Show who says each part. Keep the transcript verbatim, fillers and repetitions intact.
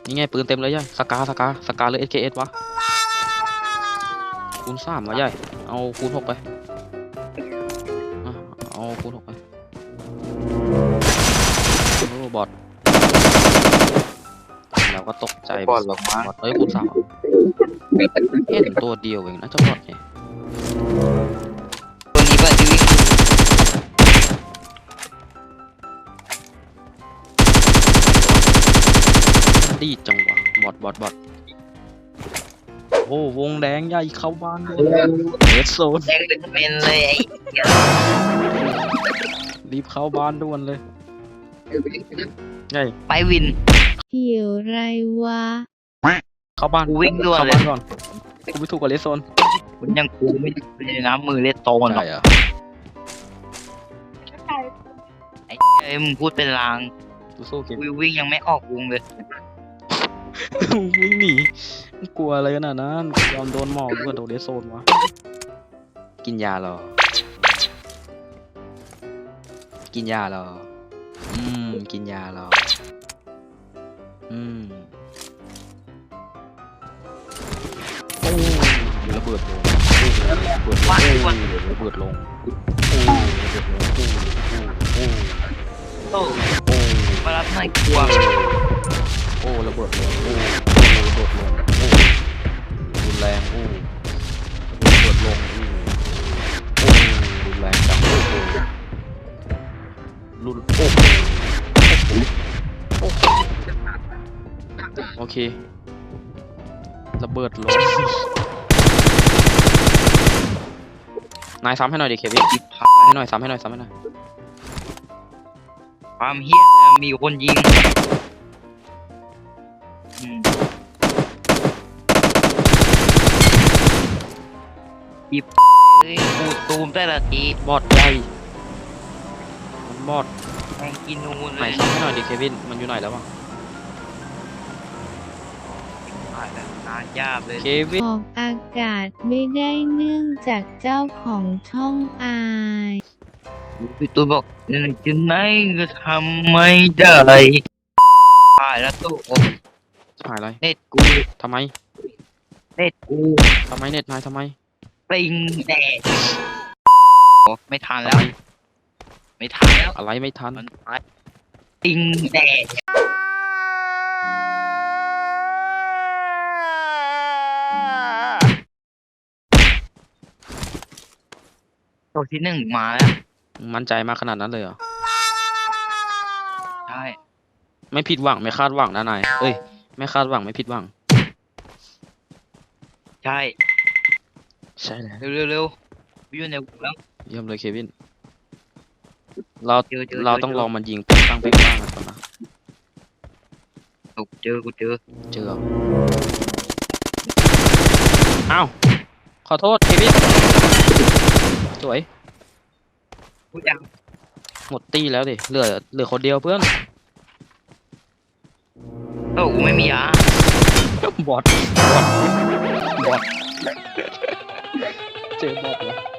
Speaker 1: นี่ไงปืนเต็มเลยย่ายสกาสกาสกาหรือ เอส เค เอส วะคูณสามวะย่ายเอาคูณหกไปอ่ะเอาคูณหกไปโอ้บอทแล้วก็ตกใจ
Speaker 2: บอทหรอกมั้ง
Speaker 1: บอทเอ้ยคูณสามเห็นตัวเดียวเองนะเจ้าบอทเนี่ย
Speaker 2: ตัวนี้ป่ะที่วิ่ง
Speaker 1: ดีจังวะบอทบอทบอทโอ้วงแดงใหญ่เข้าบ้านด้วยเรดโซน
Speaker 2: แดงเป็นเป็นเลยไอ้เหี้ย
Speaker 1: รีบเข้าบ้านด่วนเลยไง
Speaker 2: ไปวิน
Speaker 3: เกี่ยวไรวะ
Speaker 1: เข้าบ้าน
Speaker 2: กูวิ่งด่วน
Speaker 1: เข้า
Speaker 2: เลย
Speaker 1: บ้านก่อนกูไม่ถูกกับเรดโซน
Speaker 2: คุณยังกูไม่ได้นะมือเล็ดโตนหรอก
Speaker 1: ใช่เหรอ
Speaker 2: ไอ้เอ้ยมึงพูดเป็นลาง
Speaker 1: สู้ๆเกม
Speaker 2: กูวิ่งยังไม่ออกวงเลย
Speaker 1: วิ่งหนีกลัวอะไรขนาดนั้นยอมโดนหมอกด้วยโดนเรดโซนวะกินยาเหรอกินยาเหรออืมกินยาเหรออืมโอ้ระเบิดลงโอ้ระเบิดลง
Speaker 2: ว่าคน
Speaker 1: ระเบิดลงโอ้ระเบิดลงโอ้โอ้
Speaker 2: โต
Speaker 1: โอ้
Speaker 2: มารับหน่อยกลัว
Speaker 1: โอ้ระเบิดลงโอ้โอ้ระเบิดลงโอ้รุนแรงโอ้ระเบิดลงโอ้โอ้รุนแรงจังโอ้โหรุนโอ้โหโอ้โหโอเคระเบิดลงนายซ้ำให้หน่อยดิเควินให้หน่อยซ้ำให้หน่อยซ้ำให้หน่อย
Speaker 2: ความเฮี้ยมีคนยิงอืมอีบเฮ้ยกูตูมแต่ละที
Speaker 1: บอดใหญ่มันบอด
Speaker 2: แม่งกินนูน
Speaker 1: ไห
Speaker 2: เล
Speaker 1: น
Speaker 2: ย
Speaker 1: ซ้ำให้หน่อยดิเควินมันอยู่ไหนแล้ววะ
Speaker 2: ผ่านแล้วนานยาบเลย
Speaker 1: เควิน
Speaker 3: ออกอากาศไม่ได้เนื่องจากเจ้าของช่องอาย
Speaker 2: พี่ตูนบอกจะไหนก็ทำไม่ได้ผ่านแล้วตู้โอ้
Speaker 1: หายอะไร
Speaker 2: เน็ตกู
Speaker 1: ทำไม
Speaker 2: เน็ตกู
Speaker 1: ทำไมเน็ตนายทำไม
Speaker 2: ปิงแดดโอ้ไม่ทันแล้ว ไม่ทันแล้ว
Speaker 1: อะไรไม่ทัน
Speaker 2: มันไปปิงแดดตัวที่หนึ่งมาแล้ว
Speaker 1: มั่นใจมากขนาดนั้นเลยเหรอ
Speaker 2: ใช่
Speaker 1: ไม่ผิดหวังไม่คาดหวังนะนายเอ้ยไม่คาดหวังไม่ผิดหวัง
Speaker 2: ใช่
Speaker 1: ใช่แล้ว
Speaker 2: เร็วเร็วเร็ววิวในวงแล้ว
Speaker 1: เยี่ยมเลยเควินเรา
Speaker 2: เจอเจอ
Speaker 1: เรา
Speaker 2: เจอ
Speaker 1: ต้อง
Speaker 2: เจอ
Speaker 1: ลองมันยิงเป้งปังเป้งปังกันก่อนนะ
Speaker 2: กูเจอกูเจอ
Speaker 1: เจออ้าวขอโทษเควินสวย
Speaker 2: กูยัง
Speaker 1: หมดตี้แล้วดิเหลือเหลือคนเดียวเพื่อน
Speaker 2: โอ้กูไม่มียา
Speaker 1: บอทบอทบอทเจอบอทแล้ว